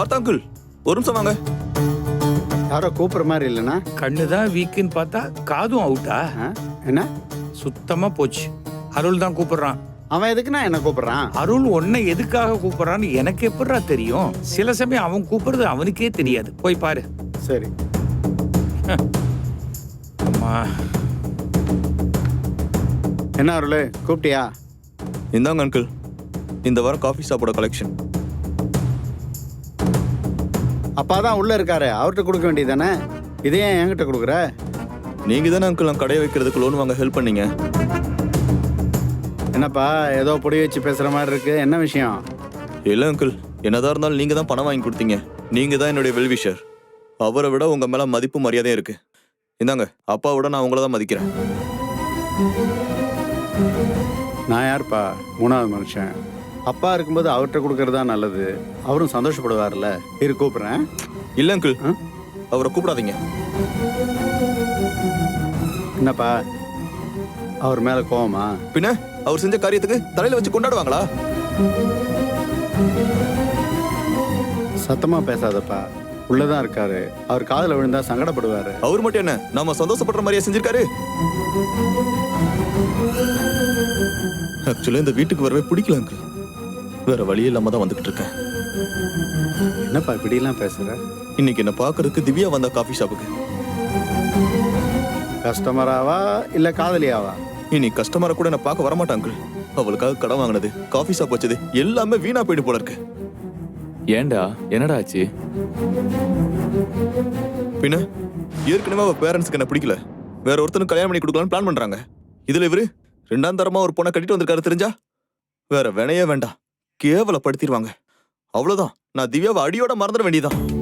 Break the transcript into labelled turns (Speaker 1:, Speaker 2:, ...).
Speaker 1: பார்த்தா அங்கிள், ஒரு நிமிஷம் வாங்க.
Speaker 2: யாரோ கூப்பிடுற மாதிரி இல்லைண்ணா.
Speaker 3: கண்ணுதான் வீக்குன்னு பார்த்தா காதும் அவுட்டா?
Speaker 2: என்ன
Speaker 3: சுத்தமா போச்சு. அருள் தான் கூப்பிடுறான்.
Speaker 2: அவன் எதுக்குண்ணா என்ன கூப்பிடுறான்?
Speaker 3: அருள் உன்னை எதுக்காக கூப்பிடுறான்னு எனக்கு எப்படிடா தெரியும்? சில சமயம் அவன் கூப்பிடுறது அவனுக்கே தெரியாது. போய் பாரு.
Speaker 2: சரி.
Speaker 3: அம்மா,
Speaker 2: என்ன அருள் கூப்பிட்டியா?
Speaker 1: இந்தாங்க அங்கிள், இந்த வாரம் காஃபி ஷாப்போட கலெக்ஷன்.
Speaker 2: அப்பா தான் உள்ள இருக்காரு, அவர்கிட்ட கொடுக்க வேண்டியதானே. இதே ஏன் என்கிட்ட கொடுக்குற?
Speaker 1: நீங்க தானே அங்கிள் நான் கடையை வைக்கிறதுக்கு லோன் வாங்க ஹெல்ப் பண்ணீங்க.
Speaker 2: என்னப்பா ஏதோ பொடி வச்சு பேசுற மாதிரி இருக்கு, என்ன விஷயம்?
Speaker 1: இல்லை அங்கிள், என்னதான் இருந்தாலும் நீங்க தான் பணம் வாங்கி கொடுத்தீங்க. நீங்க தான் என்னுடைய வெல்விஷர். அவரை விட உங்க மேல மதிப்பு மரியாதையும் இருக்கு. இந்தாங்க, அப்பாவோட நான் உங்களை தான் மதிக்கிறேன்.
Speaker 2: நான் யாருப்பா? மூணாவது மனுஷன். அப்பா இருக்கும்போது அவர்கிட்ட கொடுக்கறது தான் நல்லது. அவரும் சந்தோஷப்படுவார்ல. இரு கூப்பிடுறேன்.
Speaker 1: இல்லை அங்கிள், அவரை கூப்பிடாதீங்க.
Speaker 2: என்னப்பா அவர் மேல கோவமா?
Speaker 1: பின்ன அவர் செஞ்ச காரியத்துக்கு தலையில வச்சு கொண்டாடுவாங்களா?
Speaker 2: சத்தமா பேசாதப்பா, உள்ளதான் இருக்காரு. அவர் காதுல விழுந்தா சங்கடப்படுவாரு.
Speaker 1: அவர் மட்டும் என்ன நாம சந்தோஷப்படுற மாதிரியா செஞ்சிருக்காரு? ஆக்சுவலா இந்த வீட்டுக்கு வரவே பிடிக்கல அங்கிள். வேற வழி இல்லாம தான் வந்துகிட்டு இருக்கேன்.
Speaker 2: என்னப்பா இப்படி எல்லாம் பேசுற?
Speaker 1: இன்னைக்கு என்ன பாக்குறதுக்கு திவ்யா வந்த காஃபி ஷாப்புக்கு.
Speaker 2: கஸ்டமராவா இல்ல காதலியாவா?
Speaker 1: இனி கஸ்டமரை கூட என்ன பார்க்க வரமாட்டான் அங்கிள். அவளுக்காக கடன் வாங்கினது, காஃபி ஷாப் வச்சது எல்லாமே வீணா போயிட்டு போல இருக்கு.
Speaker 4: ஏண்டா, என்னடா ஆச்சு?
Speaker 1: பின்ன ஏற்கனவே அவ பேரண்ட்ஸ்க்கு என்ன பிடிக்கல, வேற ஒருத்தனுக்கு கல்யாணம் பண்ணி கொடுக்கலான்னு பிளான் பண்றாங்க. இதுல இவரு ரெண்டாம் தரமா ஒரு பொண்ணை கட்டிட்டு வந்திருக்காரு. தெரிஞ்சா வேற வினையே வேண்டாம், கேவலப்படுத்திடுவாங்க. அவ்வளவுதான், நான் திவ்யாவை அடியோட மறந்துட வேண்டியதான்.